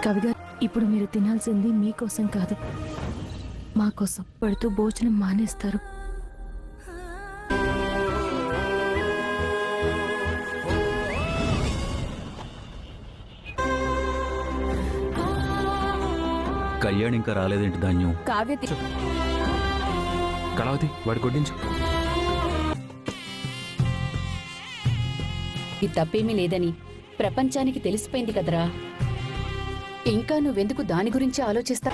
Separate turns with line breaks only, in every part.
కవిగారు, ఇప్పుడు మీరు తినాల్సింది మీకోసం కాదు, మా కోసం. పడుతూ భోజనం మానేస్తారు.
కళ్యాణ్ ఇంకా రాలేదేంటి ధాన్యం?
కావ్య
కళావతి వాడి కొట్టించు.
ఈ తప్పేమీ లేదని ప్రపంచానికి తెలిసిపోయింది కదరా. ఇంకా నువ్వెందుకు దాని గురించి ఆలోచిస్తా?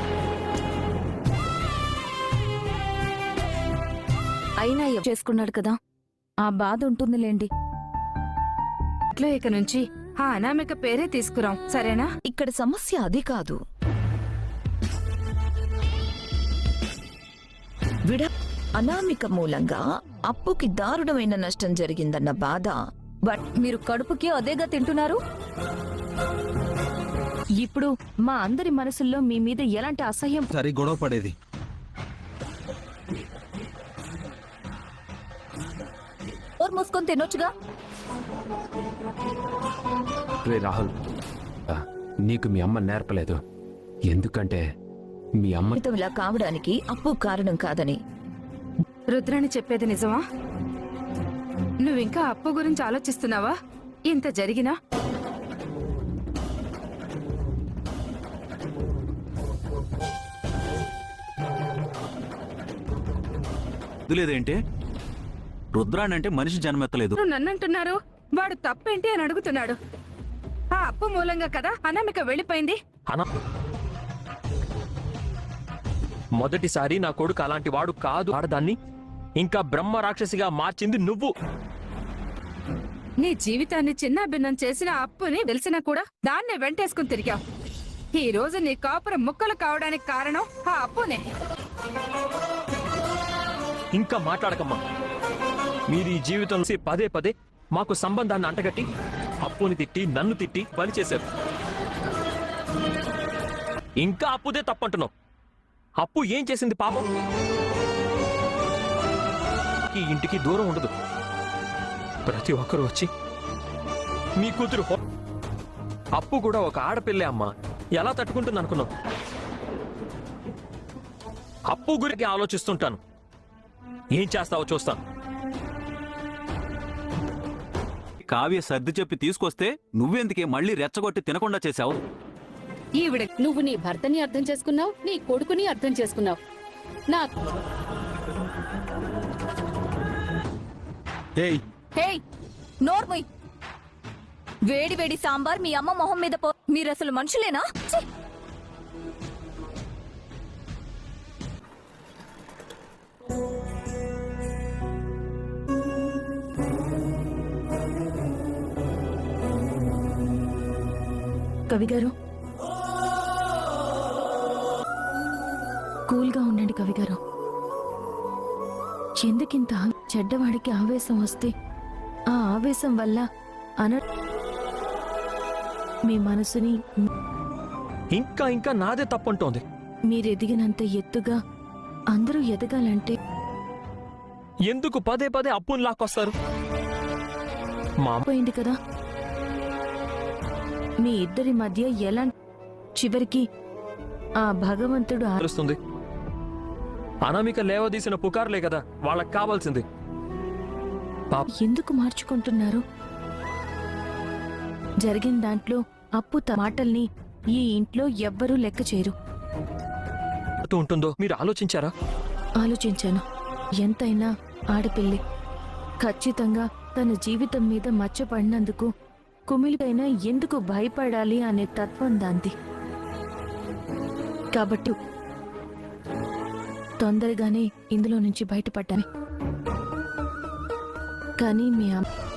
అయినా చేసుకున్నాడు కదా, ఆ బాధ ఉంటుందిలేండి.
ఇట్లా ఇక నుంచి ఆ అనామిక పేరే తీసుకురాం, సరేనా?
ఇక్కడ సమస్య అది కాదు. అనామిక మూలంగా అప్పుకి దారుణమైన నష్టం జరిగిందన్న బాధ.
బట్ మీరు కడుపుకి అదేగా తింటున్నారు. ఇప్పుడు మా అందరి మనసుల్లో మీ మీద ఎలాంటి అసహ్యం.
సరే గొడవ పడేది.
మూసుకొని తినొచ్చుగా.
రే రాహుల్, నీకు మీ అమ్మ నేర్పలేదు. ఎందుకంటే మీ అమ్మ
ఇలా కావడానికి అప్పు కారణం కాదని.
రుద్రాణి చెప్పేది నిజమా? నువ్వింకా అప్పు గురించి ఆలోచిస్తున్నావా? ఇంత జరిగినా
లేదేంటి? రుద్రాణి అంటే మనిషి జన్మెత్తలేదు.
నన్నంటున్నారు. వాడు తప్పేంటి అని అడుగుతున్నాడు. ఆ అప్పు మూలంగా కదా అనామిక వెళ్ళిపోయింది.
మొదటిసారి నా కొడుకు అలాంటి వాడు కాదు. ఆడదాన్ని ఇంకా బ్రహ్మ రాక్షసిగా మార్చింది నువ్వు.
నీ జీవితాన్ని చిన్నాభిన్నం చేసిన అప్పుని తెలిసినా కూడా దాన్నే వెంటేసుకుని తిరిగావు. ఈ రోజు నీ కాపురం ముక్కలు కావడానికి కారణం ఆ అప్పునే.
ఇంకా మాట్లాడకమ్మా. మీరు ఈ జీవితంలో పదే పదే మాకు సంబంధాన్ని అంటగట్టి అప్పుని తిట్టి నన్ను తిట్టి పని చేశారు. ఇంకా అప్పుదే తప్పంటున్నావు. అప్పు ఏం చేసింది పాపం? ఈ ఇంటికి దూరం ఉండదు. ప్రతి ఒక్కరూ వచ్చి మీ కూతురు అప్పు కూడా ఒక ఆడపిల్లే అమ్మా, ఎలా తట్టుకుంటుంది అనుకున్నావు? అప్పు గురించి ఆలోచిస్తుంటాను. ఏం చేస్తావో చూస్తాను.
కావ్య సర్ది చెప్పి తీసుకొస్తే నువ్వెందుకే మళ్ళీ రెచ్చగొట్టి తినకుండా చేశావు?
ఈవిడ నువ్వు నీ భర్తని అర్థం చేసుకున్నావు, నీ కొడుకుని అర్థం చేసుకున్నావు. నా
నోర్మయ్, వేడి వేడి సాంబార్ మీ అమ్మ మొహం మీద పో. మీరసలు మనుషులేనా?
కవిగారు, కూల్గా ఉండండి కవిగారు. ఎందుకింత చెడ్డవాడికి ఆవేశం వస్తే ఆ ఆవేశం వల్ల మీ మనసుని
ఇంకా ఇంకా నాదే తప్పంటోంది.
మీరెదిగినంత ఎత్తుగా అందరూ ఎదగాలంటే
ఎందుకు పదే పదే అప్పుని లాక్కొస్తారు?
పోయింది కదా మీ ఇద్దరి మధ్య. ఎలా చివరికి ఆ భగవంతుడు
ఆలోచిస్తుంది. అనామిక లేవదీసిన పుకార్లే కదా వాళ్ళకి కావాల్సింది.
ఎందుకు మార్చుకుంటున్నారు? జరిగిన దాంట్లో అప్పు మాటల్ని ఈ ఇంట్లో ఎవ్వరూ లెక్క చేయరు.
ఉంటుందో మీరు ఆలోచించారా?
ఆలోచించాను. ఎంతైనా ఆడపిల్లి. ఖచ్చితంగా తన జీవితం మీద మచ్చపడినందుకు కుమిలికైనా ఎందుకు భయపడాలి అనే తత్వం దాంది. కాబట్టి తొందరగానే ఇందులో నుంచి బయటపడ్డాను. కానీ మీ